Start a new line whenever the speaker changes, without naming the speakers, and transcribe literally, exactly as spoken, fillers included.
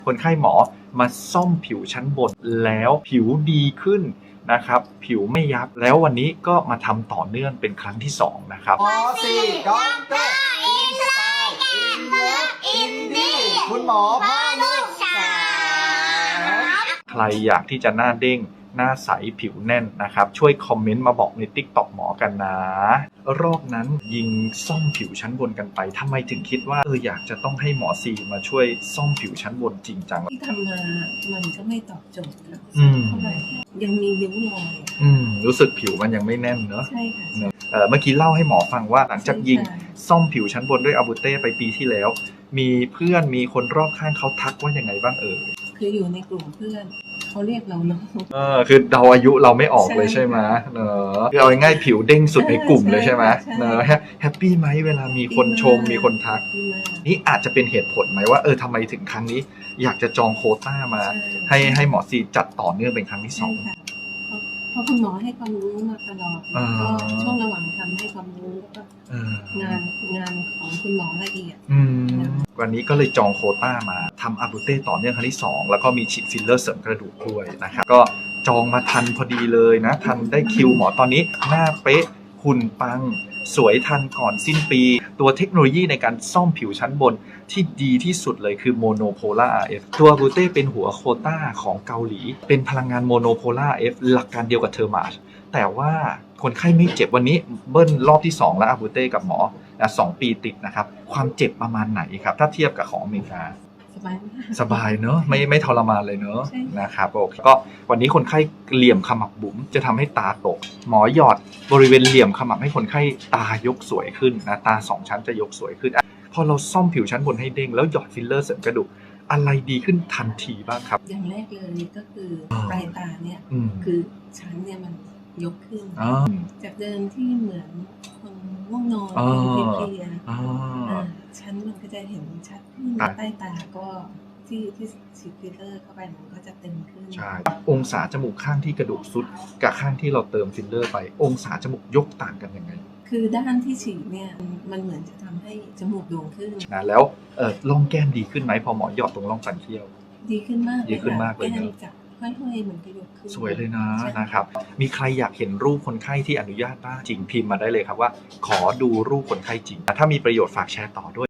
คนไข้หมอมาซ่อมผิวชั้นบนแล้วผิวดีขึ้นนะครับผิวไม่ยับแล้ววันนี้ก็มาทำต่อเนื่องเป็นครั้งที่สองนะครับ
หมอสี่ด็อกเตอร์อินสไตล์อินเลิฟอินดี้คุณหมอพ่อลูกสาม
ใครอยากที่จะหน้าเด้งหน้าใสผิวแน่นนะครับช่วยคอมเมนต์มาบอกใน ติ๊กต็อก หมอกันนะรอบนั้นยิงซ่อมผิวชั้นบนกันไปทำไมถึงคิดว่าเอออยากจะต้องให้หมอซีมาช่วยซ่อมผิวชั้นบนจริงจัง
ที่ทำมามันก็ไม่ตอบโจทย์ครับ
อืม
เท่าไหร่ยังมีริ้วรอย
อืมรู้สึกผิวมันยังไม่แน่นเนอะ
ใช่ค่ะ
เอ่อเมื่อกี้เล่าให้หมอฟังว่าหลังจากยิงซ่อมผิวชั้นบนด้วยอาบูเต้ไปปีที่แล้วมีเพื่อนมีคนรอบข้างเขาทักว่ายังไงบ้างเอ่ย
คืออยู่ในกลุ่มเพื่อนเขาเรียกเราน้อง
เออคือเดาอายุเราไม่ออกเลยใช่ไหมเนอะคือเอาง่ายๆผิวเด้งสุดในกลุ่มเลยใช่ไหมเนอะแฮปปี้ไหมเวลามีคนชมมีคนทักนี่อาจจะเป็นเหตุผลไหมว่าเออทำไมถึงครั้งนี้อยากจะจองโควต้ามาให้ให้หมอซีจัดต่อเนื่องเป็นครั้งที่ส
ใช่
อง
ค่ะเพราะคุณหมอให้ความรู้มาตลอด
อ่า
ก็ช่วงระหว่างทำให้ความรู้แล้วก็
เออง
านงานของคุณหมอละเอียด
อืมวันนี้ก็เลยจองโควต้ามาทำอาบูเต้ต่อเนื่องครั้งที่สองแล้วก็มีฉีดฟิลเลอร์เสริมกระดูกด้วยนะครับก็จองมาทันพอดีเลยนะทันได้คิวหมอตอนนี้หน้าเป๊ะหุ่นปังสวยทันก่อนสิ้นปี ตัวเทคโนโลยีในการซ่อมผิวชั้นบนที่ดีที่สุดเลยคือโมโนโพล่า อาร์ เอฟ ตัวอาบูเต้เป็นหัวโควต้าของเกาหลี เป็นพลังงานโมโนโพล่า อาร์ เอฟ หลักการเดียวกับเทอร์มาชแต่ว่าคนไข้ไม่เจ็บวันนี้เบิ้ลรอบที่สองแล้วอาบูเต้กับหมอสองปีติดนะครับความเจ็บประมาณไหนครับถ้าเทียบกับของอเมริกา
สบายมาก
สบายเนอะไม่ไม่ทรมานเลยเนอะ
ใช่
นะครับโอเคก็วันนี้คนไข้เหลี่ยมขมับบุ๋มจะทำให้ตาตก หมอหยอดบริเวณเหลี่ยมขมับให้คนไข้ตายกสวยขึ้นนะตาสองชั้นจะยกสวยขึ้นอ่ะพอเราซ่อมผิวชั้นบนให้เด้งแล้วหยอดฟิลเลอร์เสริมกระดูกอะไรดีขึ้นทันทีบ้างครับ
อย่างแรกเลยก็คือปลายตาเนี่ย
อืม
คือชั้นเนี่ยมันยกขึ้น
อ๋อ
จากเดิมที่เหมือนคนง่วงนอน
อ๋อ
คนเพลียๆ
อ๋อ
อ่าชั้นมันก็จะเห็นชัดขึ้น
ครับ
ใต้ตาก็ที่ที่ฉีดฟิลเลอร์เข้าไปมันก็จะเต็มขึ้น
ใช่องศาจมูกข้างที่กระดูกซุดกับข้างที่เราเติมฟิลเลอร์ไป องศาจมูกยกต่างกันยังไง
คือด้านที่ฉีดเนี่ยมันเหมือนจะทำให้จมูกโด่งขึ้น
นะแล้วเออร่องแก้มดีขึ้นไหมพอหมอหยอดตรงร่องฟันเคี้ยว
ดีขึ้นมาก
ดีขึ้นมากเลยเนอะ
แก้มจากค่อยๆเหมือนกระยกขึ้น
สวยเลยนะ
ใช่
นะครับ มีใครอยากเห็นรูปคนไข้ที่อนุญาตบ้างจริงพิมพ์มาได้เลยครับว่าขอดูรูปคนไข้จริง ถ้ามีประโยชน์ฝากแชร์ต่อด้วย